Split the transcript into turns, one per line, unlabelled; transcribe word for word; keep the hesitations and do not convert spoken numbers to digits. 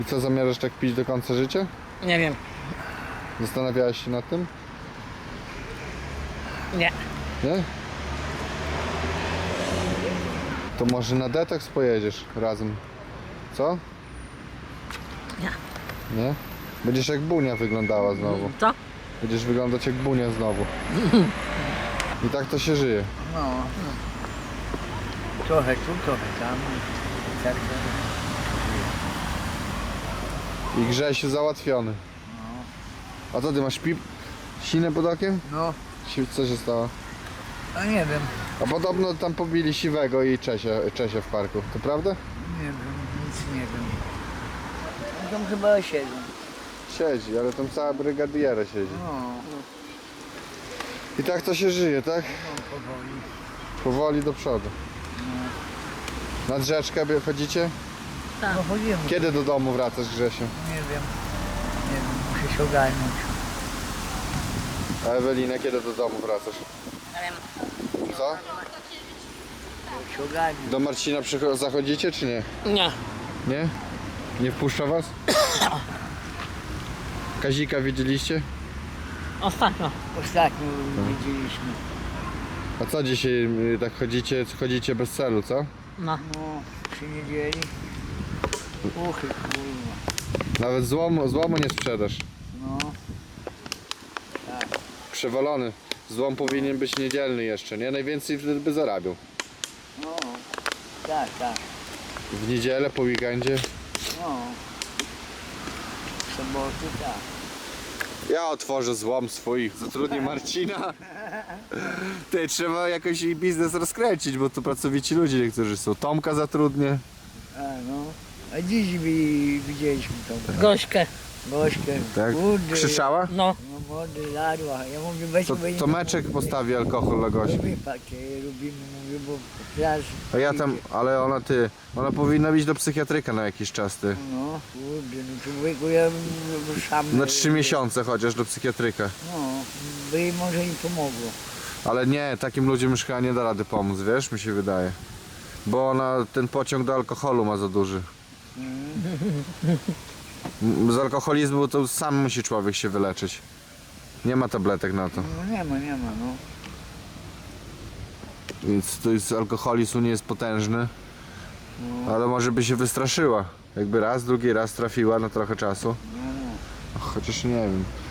I co, zamierzasz tak pić do końca życia?
Nie wiem.
Zastanawiałeś się nad tym?
Nie.
Nie? To może na detoks pojedziesz razem. Co?
Nie.
Nie? Będziesz jak Bunia wyglądała znowu.
Co?
Będziesz wyglądać jak Bunia znowu. I tak to się żyje.
No. Trochę tu, trochę tam. Tak, tak.
I Grzesiu załatwiony. A co ty masz pip? Sinę pod okiem?
No,
Si- Co się stało?
a nie wiem.
A podobno tam pobili Siwego i Czesia, Czesia w parku. To prawda?
Nie wiem, nic nie wiem. Tam chyba siedzą.
Siedzi, ale tam cała brygadiera siedzi.
No,
I tak to się żyje, tak?
no powoli.
Powoli do przodu. Nad rzeczkę by chodzicie?
Tak.
No chodzimy.
Kiedy do domu wracasz, Grzesiu?
Nie wiem. Nie wiem, muszę się ogarnąć.
A Ewelina, kiedy do domu wracasz?
Nie wiem.
Co?
Muszę się ogarnąć.
Do Marcina przycho- zachodzicie, czy nie?
Nie.
Nie? Nie wpuszcza was? Kazika widzieliście?
Ostatnio.
Ostatnio widzieliśmy.
A co dzisiaj y, tak chodzicie, chodzicie bez celu, co?
No.
No, przy niedzieli. Uchy, kurwa.
Nawet złomu, złomu nie sprzedasz.
No,
Przewalony. Złom powinien być niedzielny jeszcze, nie? Najwięcej wtedy by zarabiał.
no. Tak, tak.
W niedzielę, po weekendzie.
No. W soboty, tak.
Ja otworzę złom swój, zatrudnię Marcina. Ty, trzeba jakoś jej biznes rozkręcić, bo to pracowici ludzie niektórzy są. Tomka zatrudnię.
A no. A dziś wi- widzieliśmy tą
Gośkę.
gośkę.
Tak?
Kurde.
Krzyczała?
No.
No młody, ladła. Ja mówię, weź
To,
bo
to Meczek postawi alkohol dla gości.
Lubimy takie, lubimy, mówię, bo teraz...
A ja tam, ale ona ty, ona powinna iść do psychiatryka na jakiś czas, ty.
No, kurde, no człowieku, ja bym sam...
Na trzy miesiące chociaż do psychiatryka.
No, by jej może nie pomogło.
Ale nie, takim ludziom już chyba nie da rady pomóc, wiesz, mi się wydaje. Bo ona ten pociąg do alkoholu ma za duży. M- Z alkoholizmu to sam musi człowiek się wyleczyć. Nie ma tabletek na to.
No nie ma, nie ma, no.
Więc to jest, alkoholizm nie jest potężny. Ale może by się wystraszyła. Jakby raz, drugi raz trafiła na trochę czasu.
No, no.
Chociaż nie wiem.